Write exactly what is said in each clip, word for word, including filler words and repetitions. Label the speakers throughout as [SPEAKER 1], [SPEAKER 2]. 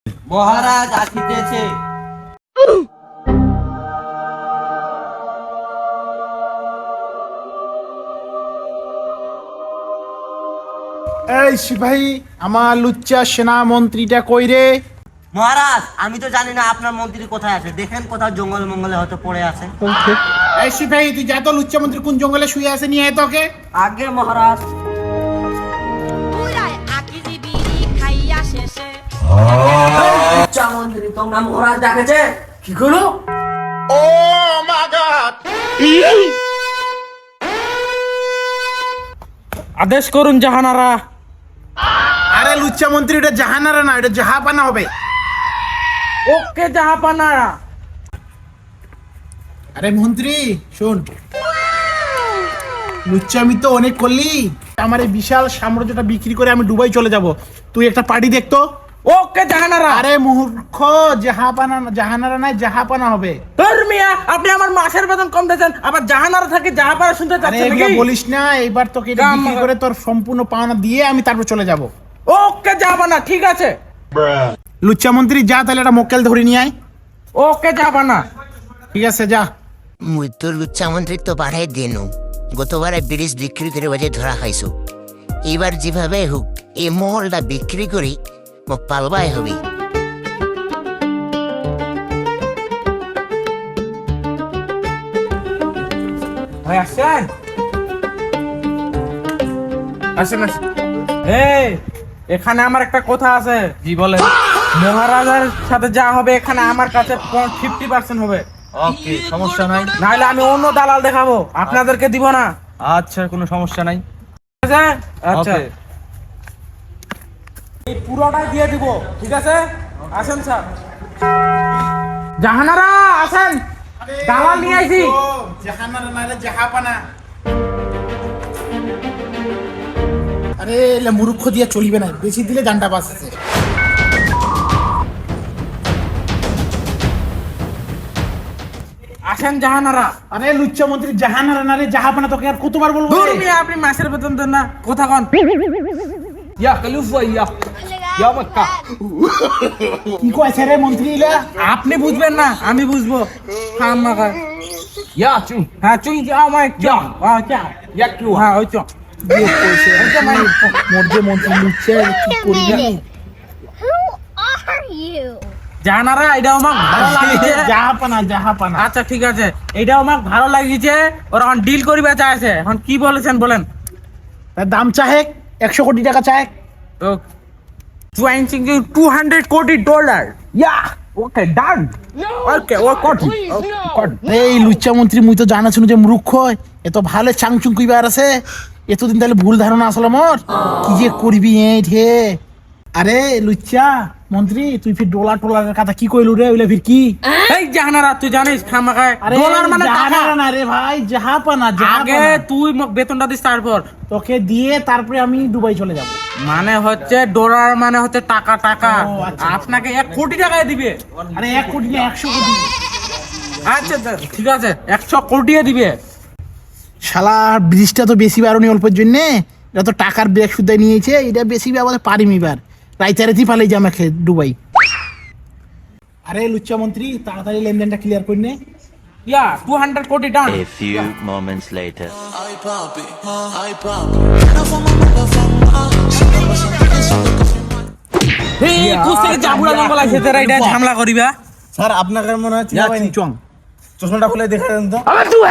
[SPEAKER 1] মহারাজ আসিতেছে।
[SPEAKER 2] এই সিপাহী, আমার লুচ্চা সেনা মন্ত্রীটা কই রে?
[SPEAKER 1] মহারাজ আমি তো জানি না আপনার মন্ত্রী কোথায় আছে, দেখেন কোথাও জঙ্গল মঙ্গলে হয়তো পড়ে আছে।
[SPEAKER 2] এই সিপাহী, তুই যা তো লুচ্চা মন্ত্রী কোন জঙ্গলে শুয়ে আছে, নিয়ে আয় তোকে।
[SPEAKER 1] আগে মহারাজ। লুচ্চা মন্ত্রী তোমরা মহারাজ ডাকেছে। কি করো?
[SPEAKER 2] ও মা গড!
[SPEAKER 3] আদেশ করুন জাহানারা।
[SPEAKER 2] আরে লুচ্চা মন্ত্রী, এটা জাহানারা না, এটা জাহাপানা হবে।
[SPEAKER 3] ওকে জাহাপানারা।
[SPEAKER 2] আরে মন্ত্রী শোন, লুচ্চামি তো অনেক করলি, আমার এই বিশাল সাম্রাজ্যটা বিক্রি করে আমি দুবাই চলে যাব। তুই একটা পার্টি দেখতো।
[SPEAKER 3] ওকে জাহানারা।
[SPEAKER 2] আরে মূর্খ, জাহাপানা জাহানারা নাই, জাহাপানা হবে।
[SPEAKER 3] ধর মিয়া, আপনি আমার মাসের বেতন কম দিয়েছেন, আবার জাহানারা থেকে জাহাপানা শুনতে
[SPEAKER 2] আরে
[SPEAKER 3] চাচ্ছেন
[SPEAKER 2] এগুলো
[SPEAKER 3] নাকি?
[SPEAKER 2] বলিস না, এবার তোকে এটা
[SPEAKER 3] কাম
[SPEAKER 2] বিক্রি
[SPEAKER 3] হবে।
[SPEAKER 2] করে তোর সম্পূর্ণ পাওনা দিয়ে আমি তারপর চলে যাব।
[SPEAKER 3] ওকে জাহাপানা, ঠিক আছে।
[SPEAKER 2] লুচ্চা মন্ত্রী যা, তাহলে একটা মক্কেল ধরে নিয়ে আয়।
[SPEAKER 3] ওকে জাহাপানা।
[SPEAKER 2] ঠিক আছে, যা।
[SPEAKER 4] মুই তো লুচ্চা মন্ত্রিত্ব বাড়াই দিনু। গতবারে ব্রিজ বিক্রি করে বাজে ধরা খাইছো। এবার যেভাবে হোক এই মহলটা বিক্রি করি মোক পালবাই হবি।
[SPEAKER 3] ভাই আসেন আসেন আসেন। এই এখানে আমার একটা কথা আছে। জি বলে। মহারাজার সাথে যা হবে এখানে আমার কাছে ফিফটি পার্সেন্ট হবে।
[SPEAKER 5] ওকে, সমস্যা নাই।
[SPEAKER 3] নাহলে আমি অন্য দালাল দেখাবো, আপনাদেরকে দিব না।
[SPEAKER 5] আচ্ছা, কোনো সমস্যা নাই।
[SPEAKER 3] ঠিক আছে? আচ্ছা,
[SPEAKER 5] ওকে।
[SPEAKER 3] এই পুরোটাই দিয়ে দিব, ঠিক আছে? আসেন স্যার। জাহানারা আসেন, দালাল নিয়ে আইছি।
[SPEAKER 2] জাহানারা না রে, জাহাপানা। আরে এলে মূর্খ দিয়ে চলিবে না, বেশি দিলে জানটা বাঁচছে।
[SPEAKER 3] আসেন জাহানারা।
[SPEAKER 2] আরে লুচ্চা মন্ত্রী জাহানারা না রে, জাহাপানা, তোকে আর কতবার বলবো?
[SPEAKER 3] দূর
[SPEAKER 2] রে?
[SPEAKER 3] মিয়া, আপনি মাসের বেতন দেন না, কথা কন। ইয়া কালুফা ইয়া ইয়া মক্কা।
[SPEAKER 2] কি কইছে রে মন্ত্রী ইলা?
[SPEAKER 3] আপনি বুঝবেন না, আমি বুঝবো। হ্যাঁ মাকা ইয়া চু, হ্যাঁ চুই যা মাই যা হ্যাঁ যা ইয়া কিউ হ্যাঁ ওই চো
[SPEAKER 2] দিয়ে কইছে মোর যে মন্ত্রী লুচ্চা, কি করি না?
[SPEAKER 6] Who are you?
[SPEAKER 3] জাহানারা, এটা আমার ভালো লাগিছে।
[SPEAKER 2] জাহাপানা, জাহাপানা।
[SPEAKER 3] আচ্ছা ঠিক আছে, এটা আমার ভালো লাগিছে। ওরা এখন ডিল করিবা চাইছে, এখন কি বলেছেন বলেন।
[SPEAKER 2] তার দাম চাহে একশো কোটি টাকা চায়।
[SPEAKER 3] তো two hundred crore dollar. Yeah okay done. Okay ও কোটি কোটি।
[SPEAKER 2] এই লুচ্চা মন্ত্রী, মুই তো জানা শুনো যে মূর্খ, এত ভালো চাংচুং কইবার আছে। এতদিন তাহলে ভুল ধারণা আসলে মোর, কি যে করবি এই ঠে। আরে লুচ্চা মন্ত্রী, তুই ফির ডলার টলারের কথা কি কইলু রে? ওইলা ফির কি?
[SPEAKER 3] এই জাহানারা, তুই জানিস খামাখায়
[SPEAKER 2] আরে
[SPEAKER 3] ডলার মানে টাকা।
[SPEAKER 2] জাহানারা না রে ভাই, জাহাপানা,
[SPEAKER 3] আগে
[SPEAKER 2] জাহাপানা।
[SPEAKER 3] তুই মোক বেতনটা দিস, তারপর
[SPEAKER 2] তোকে দিয়ে তারপরে আমি দুবাই চলে যাব।
[SPEAKER 3] মানে হচ্ছে ডলার মানে হচ্ছে টাকা টাকা।
[SPEAKER 2] ও, আচ্ছা।
[SPEAKER 3] আপনাকে এক কোটি টাকায় দিবে।
[SPEAKER 2] আরে এক কোটি না, একশো কোটি।
[SPEAKER 3] আচ্ছা ঠিক আছে, একশো কোটিয়ে দিবে।
[SPEAKER 2] শালা ব্রিজটা তো বেশি বারণি অল্পের জন্য, এটা তো টাকার ব্রেক সুদ্ধা নিয়েছে, এটা বেশি আমাদের পারিম এবার। রাইতারেতি পালাই যে আমাকে দুবাই। আরে লুচ্চা মন্ত্রী, তাড়াতাড়ি লেনদেনটা ক্লিয়ার করে নে।
[SPEAKER 3] ইয়া টু হান্ড্রেড কোটি ডান।
[SPEAKER 7] A few moments later.
[SPEAKER 8] Ay papi, ay papi. Una fama mala fama. Si no pasa nada, si no pasa
[SPEAKER 3] এই কুছ থেকে জাবুড়া জঙ্গল আছে, তোরা এটা ঝামেলা করিবা।
[SPEAKER 5] স্যার, আপনাকে মনে হয় চিনা পাইনি। চং চশমাটা খুলে দেখা দেন তো।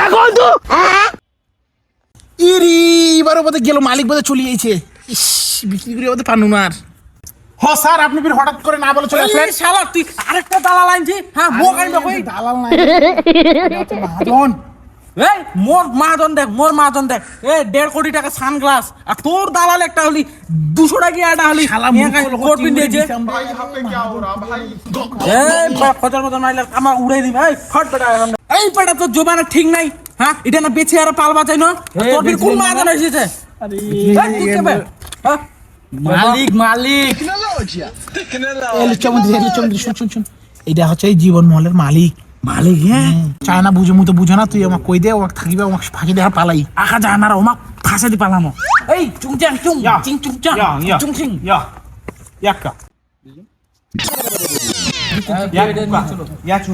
[SPEAKER 2] ইরি এবারে বোধহয় গেল, মালিক বোধহয় চলে গেছে। ইস, বিক্রি করে বোধহয় পানু না আর। হ স্যার, আপনি ফির হঠাৎ করে না বলে চলে আসলেন।
[SPEAKER 3] এই শালা তুই আরেকটা দালাল আনছি। হ্যাঁ মোক আনবে কই?
[SPEAKER 2] দালাল নাই, মহাজন।
[SPEAKER 3] এই মোর মাহাজন দেখ, মোর মাহাজন দেখ। এ দেড় কোটি টাকা সানগ্লাস, আর তোর দালাল একটা হলি দুশো টাকা আটা হলি
[SPEAKER 2] শালা
[SPEAKER 3] কোট পিন দিয়েছে। এই খচার মতন মাইলে আমার উড়াই দিবি। এই ফট বেটা এখন। এই বেটা তোর জোবানা ঠিক নাই। হ্যাঁ এটা না বেছে আর পাল বাঁচাই না। তোর ফির কোন মাহাজন এসেছে? এই তুই কে বে? হ্যাঁ
[SPEAKER 5] মালিক মালিক
[SPEAKER 2] এই লুচ্চা মন্ত্রী, এই লুচ্চা মন্ত্রী, শুন শুন শুন, এটা হচ্ছে এই জীবন মহলের মালিক।
[SPEAKER 3] মালিক হ্যাঁ
[SPEAKER 2] চায় না বুঝে, মুই তো বুঝো না। তুই আমাকে কই দে, ওকে থাকিবে, আমাকে ফাঁকি দেখা পালাই।
[SPEAKER 3] আকা জানারা ওমাক ফাঁসে দি পালামো। এই চুং চাং চুং চিং চুং চাং চুং চিং।
[SPEAKER 5] ইয়া ইয়াক্কা ইয়াচু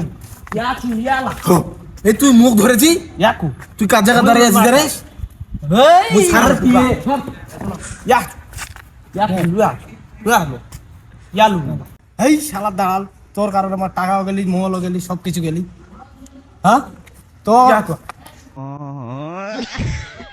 [SPEAKER 3] এই তুই মুখ ধরেছি
[SPEAKER 5] ইয়াকু
[SPEAKER 3] তুই কার জায়গা দাঁড়িয়ে আছিস রে মুই সারার পিয়ে
[SPEAKER 5] ইয়া ইয়া ইয়া ইয়ালু এই শালা দাঁড়াল তোর কারণে আমার টাকাও গেলি মোবাইলও গেলি সব কিছু গেলি হ্যাঁ তো